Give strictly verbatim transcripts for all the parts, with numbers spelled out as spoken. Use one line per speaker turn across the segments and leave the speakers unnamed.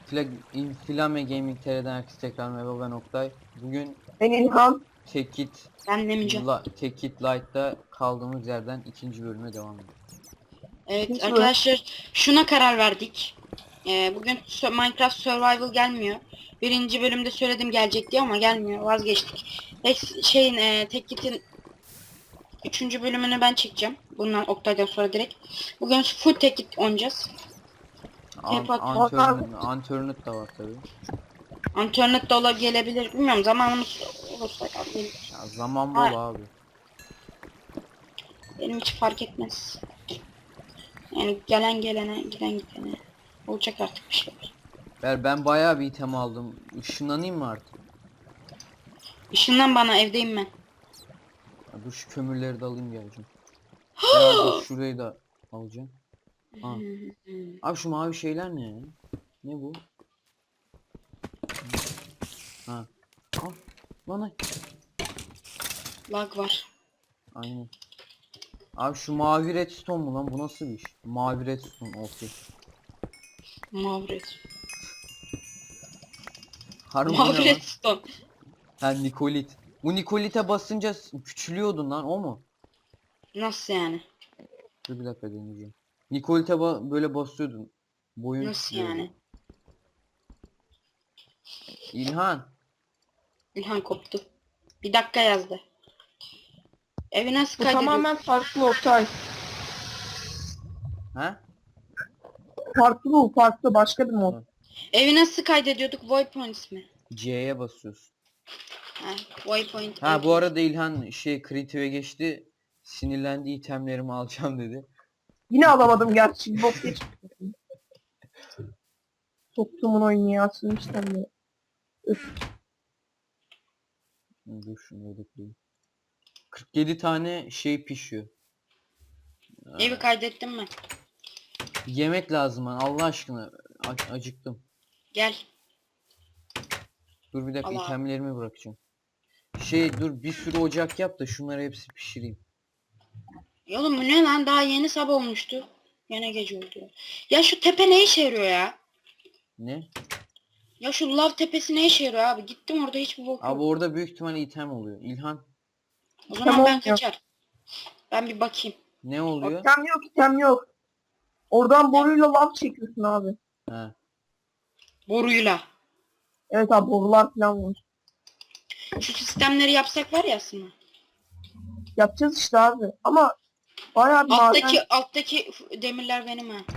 Flag, Inflame Gaming T R'den herkese tekrar merhaba, ben Oktay. Bugün
Ben İlhan.
Tekit
Ben demeyeceğim.
La, Tekit Light'ta kaldığımız yerden ikinci bölüme devam ediyoruz.
Evet
Hiç mi?
arkadaşlar, şuna karar verdik. Ee, bugün Sö- Minecraft Survival gelmiyor. Birinci bölümde söyledim gelecek diye ama gelmiyor. Vazgeçtik. Ex- şeyin e, Tekit'in üçüncü bölümünü ben çekeceğim. Bundan Oktay'dan sonra direkt. Bugün full Tekit oynayacağız.
An,
Tepat.
Antörnüt, Antörnüt da var tabi.
Internet dola gelebilir. Bilmiyorum, zamanımız olursa gelir.
Ya zaman bol
Ha,
abi.
benim hiç fark etmez. Yani gelen gelene, giden gidene. Olacak artık bir şeyler.
Ben, ben bayağı bir item aldım. Işınlanayım mı artık?
Işından bana, evdeyim ben.
Ya dur şu kömürleri de alayım geleceğim. Ya dur şurayı da alacağım. Ha. Abi şu mavi şeyler ne ya? Ne bu? Ha. Al. Lan ay.
Lag var.
Aynen. Abi şu mavi redstone mu lan? Bu nasıl bir iş? Mavi redstone okey.
Mavret.
Harbi bu ne
Mavi
lan?
redstone.
Ha, Nikolit. Bu Nikolit'e basınca s- küçülüyordun lan, o mu?
Nasıl yani?
Dur bir dakika deneyeceğim. Nikolit'e ba böyle basıyordun. Boyun
Nasıl
küçülüyordu.
yani?
İlhan.
İlhan koptu. Bir dakika yazdı. Evi nasıl
Bu
kaydediyor?
tamamen farklı Oktay.
Ha?
Farklı bu farklı başka bir mod.
Ha.
Evi nasıl kaydediyorduk? Waypoints mi?
C'ye basıyorsun.
Ha, waypoint.
Ha bu
waypoint.
arada İlhan şey kreatif'e geçti. Sinirlendi, itemlerimi alacağım dedi.
Yine alamadım gerçi. Bir bok geçmiş. Soktuğumun oyunu ya. Sürmüşten de.
Dur şunu da koyayım. kırk yedi tane şey pişiyor.
Evi kaydettim ben.
Yemek lazım bana Allah aşkına. A- acıktım.
Gel.
Dur bir dakika,
Allah.
itemlerimi bırakacağım. Şey dur bir sürü ocak yap da şunları hepsi pişireyim.
Ya oğlum bu ne lan? Daha yeni sabah olmuştu. Yine gece oldu. Ya şu tepe ne işe yarıyor ya?
Ne?
Ya şu lav tepesi ne işe yarıyor abi? Gittim orada hiçbir bok
Abi
yok.
orada büyük ihtimalle item oluyor. İlhan
O zaman
Tamam,
ben
yok.
kaçar. Ben bir bakayım.
ne oluyor?
İtem yok item yok. Oradan boruyla lav çekiyorsun abi.
Ha.
Boruyla.
Evet abi borular falan var.
Şu sistemleri yapsak var ya aslında.
Yapacağız işte abi. Ama bayağı bir
Alttaki
maden.
alttaki demirler benim ha.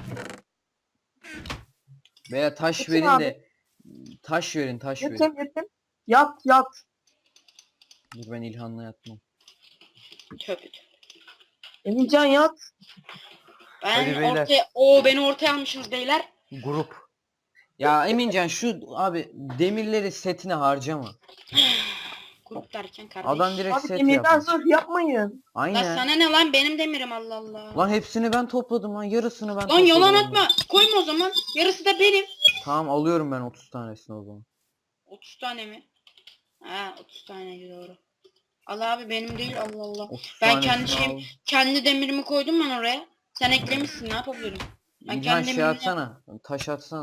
Veya taş
Peki
verin
abi.
de taş verin taş verin.
Yetim yetim. Yat yat.
Dur ben İlhan'la yatmam.
Tövbe tövbe.
Emircan yat.
Ben
Hadi beyler.
ortaya o beni ortaya almışsınız beyler.
Grup. Ya Emincan şu abi demirleri setine harcama.
Grup derken kardeş.
Adam direkt
Abi
set
demirden
yapmış.
zırh yapmayın.
Lan
Aynen.
sana ne lan, benim demirim, Allah Allah.
Lan hepsini ben topladım lan, yarısını ben
Lan
topladım.
yalan
onların.
atma. Koyma o zaman. Yarısı da benim.
Tamam alıyorum ben otuz tanesini o zaman.
otuz tane mi? Ha otuz tane doğru. Al abi, benim değil, Allah Allah.
otuz
Ben
tanesini
kendi şeyim,
al.
kendi demirimi koydum ben oraya. Sen eklemişsin, ne yapabilirim? Ben
İlhan
kendi
şey
demirimi...
atsana. Taş atsana.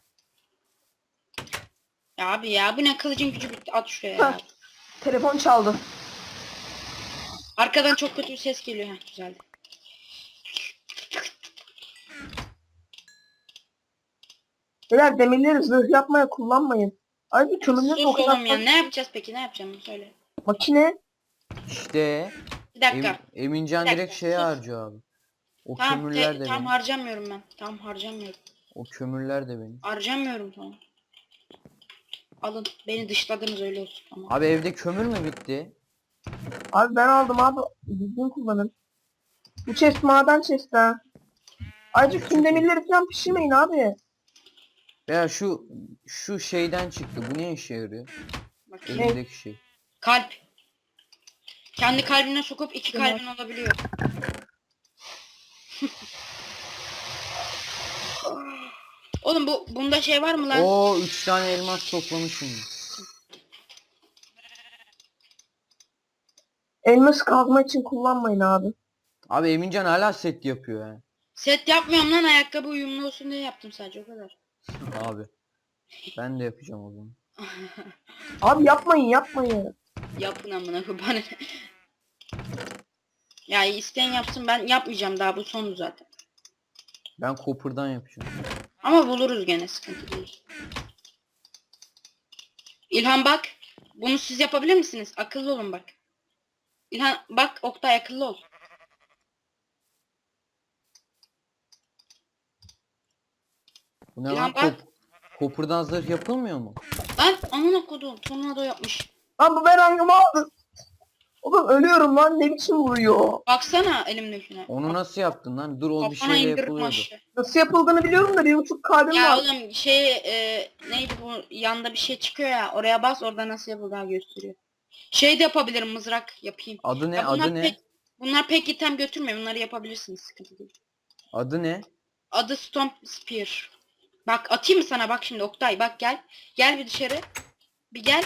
Ya abi ya, bu ne, kılıcın gücü bitti, at şuraya ya.
Heh. Telefon çaldı.
Arkadan çok kötü bir ses geliyor, ha güzeldi.
Beyler demirleri zırh yapmaya kullanmayın. Ayrıca kömürleri de o
Sus
kadar
oğlum ya,
fazla-
ne yapacağız peki, ne yapacağım söyle.
Makine.
İşte
Bir dakika.
Em, Emincan
Bir dakika,
direkt şeye
sus.
harcıyor abi. O
Tamam,
kömürler
te,
de
tam
benim.
harcamıyorum ben. Tam harcamıyorum.
O kömürler de benim.
Harcamıyorum, tamam. Alın, beni dışladınız, öyle olsun, tamam.
Abi evde kömür mü bitti?
Abi ben aldım abi. Düzgün kullanın. Bu chest maden chest ha. Ayrıca tüm demirleri falan pişirmeyin abi.
Veya şu şu şeyden çıktı. Bu ne işe yarıyor?
Bakayım.
Elimdeki şey.
Kalp. Kendi kalbine sokup iki
Tamam.
kalbin olabiliyor. Oğlum bu bunda şey var mı lan?
Oo üç tane elmas toplamışım.
Elmas kazma için kullanmayın abi.
Abi Emincan hala set yapıyor ya.
Set yapmıyorum lan, ayakkabı uyumlu olsun diye yaptım sadece, o kadar.
Abi. Ben de yapacağım o zaman.
Abi yapmayın yapmayın.
Yapın amına koyayım. Ya isteyen yapsın, ben yapmayacağım, daha bu sonu zaten.
Ben Copper'dan yapacağım.
Ama buluruz gene, sıkıntı değil. İlhan bak. Bunu siz yapabilir misiniz? Akıllı olun bak. İlhan bak, Oktay akıllı ol.
Bu ne
İlhan
lan?
bak.
Cop Copper'dan zırh yapılmıyor mu?
Lan amına kodum, tornado yapmış.
Lan bu berangımı aldı. Oğlum ölüyorum lan, ne biçim vuruyor.
Baksana elimdekine.
Onu nasıl yaptın lan? Dur o bir
Kafana
şeyle
indirdim
yapılıyordu.
aşağı.
Nasıl yapıldığını biliyorum da bir buçuk kalbim
Ya
var.
oğlum şey e, neydi bu, yanda bir şey çıkıyor ya, oraya bas, orada nasıl yapıldığını gösteriyor. Şey de yapabilirim, mızrak yapayım.
Adı ne?
Ya bunlar
Adı ne?
pek, bunlar pek item götürmüyor, bunları yapabilirsiniz, sıkıntı değil.
Adı ne?
Adı Stomp Spear. Bak atayım mı sana, bak şimdi Oktay, bak gel. Gel bir dışarı. Bir gel.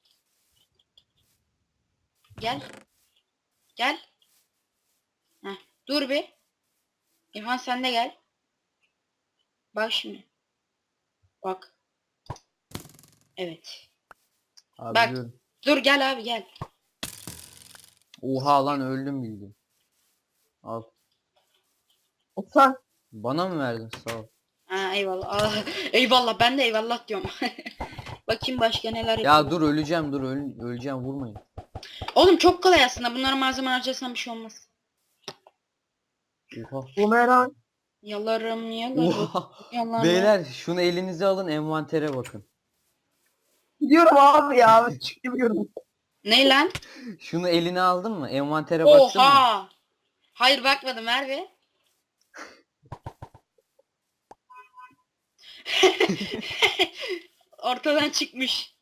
Gel. Gel. Heh, dur bir. İlhan sen de gel. Bak şimdi. Bak. Evet.
Abi
Bak.
biliyorum.
Dur gel abi gel.
Oha lan öldüm bildim. Al.
Otan.
Bana mı verdin? Sağ ol.
Ha eyvallah. Aa, eyvallah, ben de eyvallah diyorum. Bakayım başka neler yapıyor.
Ya dur öleceğim dur öl öleceğim vurmayın.
Oğlum çok kolay aslında. Bunlara malzeme harcasan bir şey olmaz.
Oha.
Bumerang.
Yalarım yalarım.
Oha.
Yalarım.
Beyler şunu elinize alın envantere bakın.
Gidiyorum abi ya. Çıkıyorum.
Ne lan?
Şunu eline aldın mı? Envantere baktın mı?
Oha. Hayır bakmadım, ver be. Ortadan çıkmış.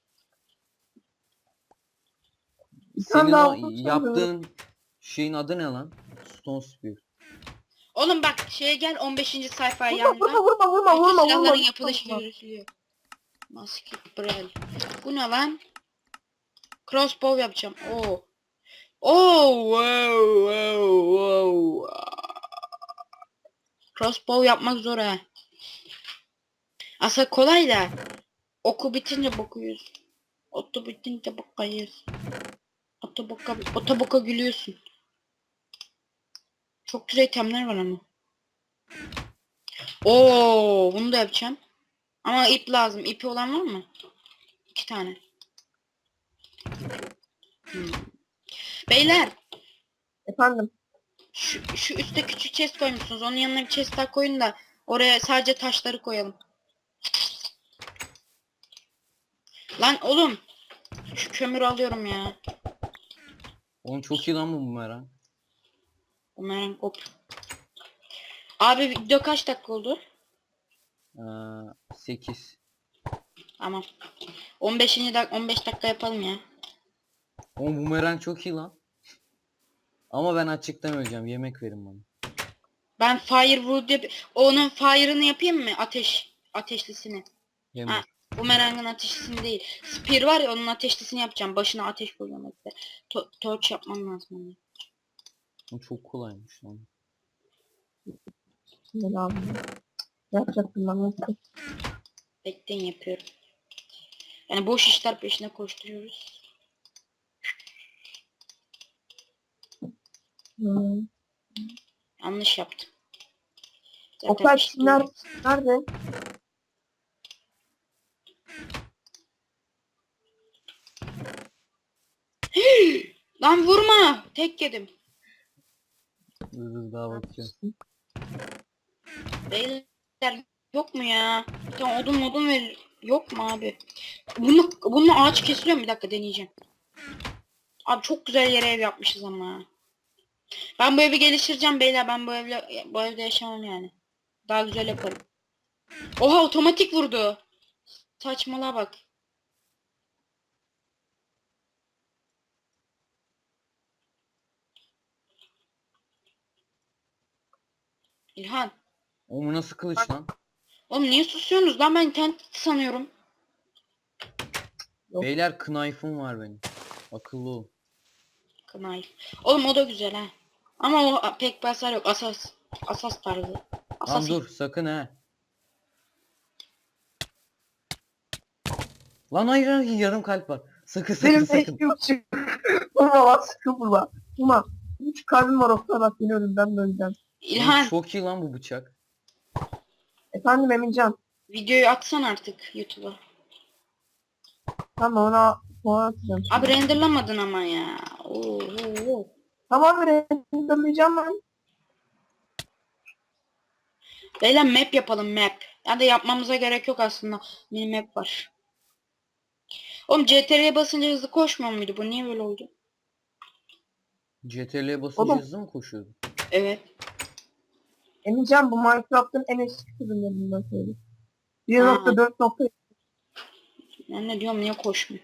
Bir tane
Senin
daha
o
olsun
yaptığın şeyin adı ne lan? Stone Spear.
Oğlum bak şeye gel, on beşinci sayfa
Vurma
yanında.
vurma vurma vurma
Bütün
vurma
silahların
vurma.
yapılışı görülüyor. Musket Brel. Bu ne lan? Crossbow yapacağım. Oo. Oo, wow, wow, wow. Crossbow yapmak zor ha. Aslında kolay da. Oku bitince bakıyoruz. Otu bitince bakayız. Ota boka, ota boka gülüyorsun. Çok güzel itemler var ama. Oo, bunu da yapacağım. Ama ip lazım. İpi olan var mı? İki tane. Hmm. Beyler,
Efendim.
şu, şu üstte küçük chest koymuşsunuz. Onun yanına bir chest daha koyun da oraya sadece taşları koyalım. Lan oğlum, şu kömürü alıyorum ya.
Oğlum çok iyi lan bu bumerang.
Umarım hop. Abi video kaç dakika oldu?
Ee, sekiz.
Tamam. on beşinci dak on beş dakika yapalım ya.
Oğlum bumerang çok iyi lan. Ama ben açıktan öleceğim. Yemek verin bana.
Ben firewood yap, onun fire'ını yapayım mı? Ateş. Ateşlisini.
Yemek.
Ha, bumerangın ateşlisini değil. Spear var ya, onun ateşlisini yapacağım. Başına ateş koyacağım işte. To torch yapmam lazım onu.
Bu çok kolaymış lan.
Ne lazım? Ne yapacaktım ben? Nasıl?
Bekleyin, yapıyorum. Yani boş işler peşine koşturuyoruz.
Hmm.
Yanlış yaptım. Zaten
Oktay
bir şey
Çınar
değil.
nerede?
Lan vurma. Tek yedim.
Dur dur daha bakacağım.
Beyler yok mu ya? Bir tane odun modun ver. Yok mu abi? Bunu, bununla ağaç kesiliyor mu? Bir dakika deneyeceğim. Abi çok güzel yere ev yapmışız ama. Ben bu evi geliştireceğim beyler. Ben bu evle bu evde yaşamam yani. Daha güzel yaparım. Oha, otomatik vurdu. Saçmalığa bak. İlhan.
Oğlum bu nasıl kılıç lan?
Oğlum niye susuyorsunuz lan, ben internet sanıyorum.
Yok.
Beyler knife'ım var benim. Akıllı ol.
Knife. Oğlum o da güzel ha. Ama o pek basar yok. Asas. Asas tarzı.
Lan
Asas.
dur sakın he. Lan hayır hayır yarım kalp var. Sakın sakın
Benim de
sakın.
iki buçuk. Vurma lan sıkı vurma. Vurma. Üç kalbim var Oktay bak beni ölümden döneceğim.
Oğlum
İlhan
çok iyi lan bu bıçak.
Efendim Emincan.
videoyu atsan artık YouTube'a.
Tamam ona puan atacağım.
Abi renderlamadın ama ya. Oo, oo, oo.
Tamam renderlayacağım ben.
Beyler map yapalım map. Ya da yapmamıza gerek yok aslında. Mini map var. Oğlum C T R L'ye basınca hızlı koşmuyor muydu? Bu niye böyle oldu?
C T R L'ye basınca
Oğlum.
hızlı mı koşuyordu?
Evet.
Emincan bu Minecraft'ın en eski sürümlerinden söyle. bir nokta dört nokta
Ben ne diyorum niye koşmuyor?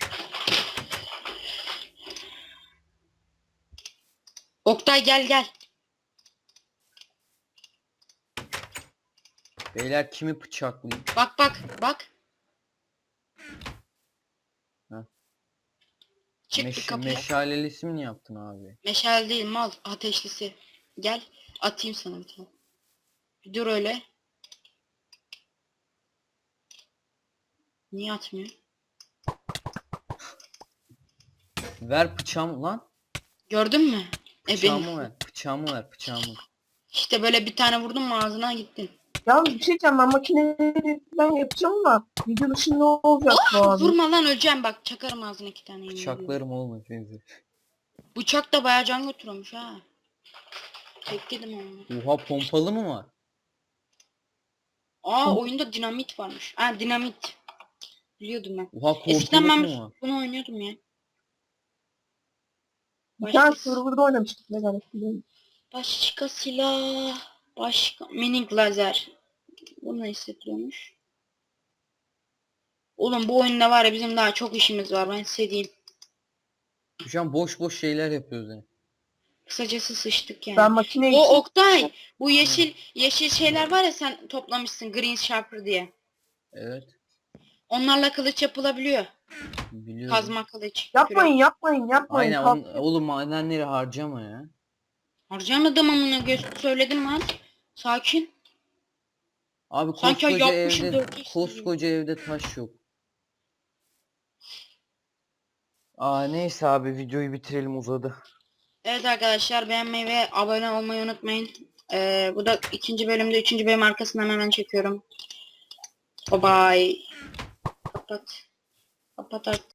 Oktay gel gel.
Beyler kimi bıçaklayayım?
Bak bak bak.
Ha.
Çık bir
Meş
kapıya.
meşalelisi mi yaptın abi?
Meşale değil mal ateşlisi. Gel atayım sana bir tane. Bir dur öyle. Niye atmıyor?
Ver bıçağımı lan.
Gördün mü? E
Bıçağımı
benim.
ver. Bıçağımı ver. Bıçağımı.
İşte böyle bir tane vurdum mu ağzına gittin.
Ya bir şey diyeceğim ben makineyi ben yapacağım ama video dışında ne olacak bu abi?
Vurma lan öleceğim bak çakarım ağzına iki tane. yemin ediyorum.
Bıçaklarım oğlum hepinizi.
Bıçak da bayağı can götürüyormuş ha. Bekledim onu.
Oha pompalı mı var?
Aa oyunda dinamit varmış. Ha dinamit. Biliyordum ben.
Oha
Eskiden
korkuluk
ben
mu var?
bunu oynuyordum ya.
Bir tane
Başka,
serverda oynamıştık ne garip biliyorum.
başka silah. Başka. Minik lazer. Bu ne hissettiriyormuş? Oğlum bu oyunda var ya bizim daha çok işimiz var ben size diyeyim.
Şu an boş boş şeyler yapıyoruz yani.
Kısacası sıçtık yani.
Ben makine
O
için
Oktay bu yeşil yeşil şeyler var ya sen toplamışsın Green Sharper diye.
Evet.
Onlarla kılıç yapılabiliyor.
Biliyorum.
Kazma kılıç.
yapmayın yapmayın yapmayın.
Aynen
Kalk-
on, oğlum madenleri harcama ya.
Harcamadım amına göz söyledim lan. Sakin.
Abi
Sanki
koskoca
yapmışım
evde
dört yüz
koskoca evde taş yok. Aa neyse abi videoyu bitirelim uzadı.
Evet arkadaşlar beğenmeyi ve abone olmayı unutmayın. Ee, bu da ikinci bölümde üçüncü bölüm arkasından hemen çekiyorum. Bye bye. Kapat. Kapat artık.